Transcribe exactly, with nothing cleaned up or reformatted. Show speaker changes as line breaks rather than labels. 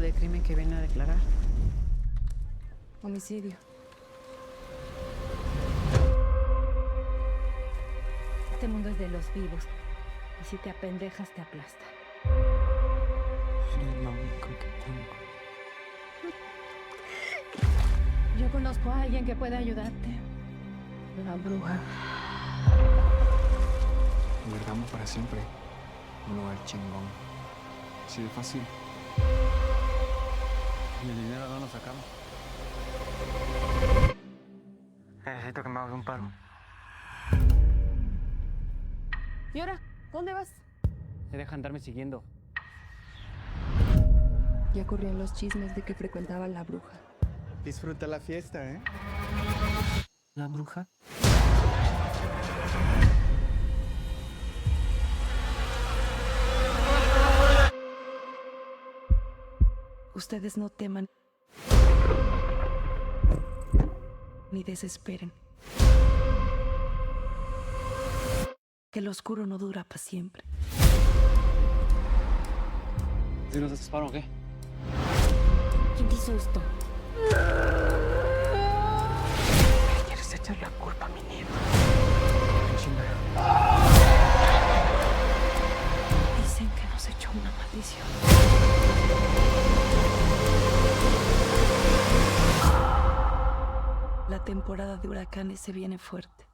de crimen que viene a declarar.
Homicidio.
Este mundo es de los vivos. Y si te apendejas, te aplasta.
Eres lo único que tengo.
Yo conozco a alguien que puede ayudarte.
La bruja.
Guardamos para siempre un lugar chingón. Así de fácil.
¿Y el dinero no lo sacamos? Necesito que me hagas un paro.
¿Y ahora? ¿Dónde vas?
Me deja andarme siguiendo.
Ya corrían los chismes de que frecuentaba la bruja.
Disfruta la fiesta, ¿eh?
¿La bruja?
Ustedes no teman ni desesperen. Que lo oscuro no dura para siempre.
¿Si nos haces paro o qué?
¿Quién te hizo esto?
¿Quieres echar la culpa a mi nieta? Dicen que nos echó una maldición. La temporada de huracanes se viene fuerte.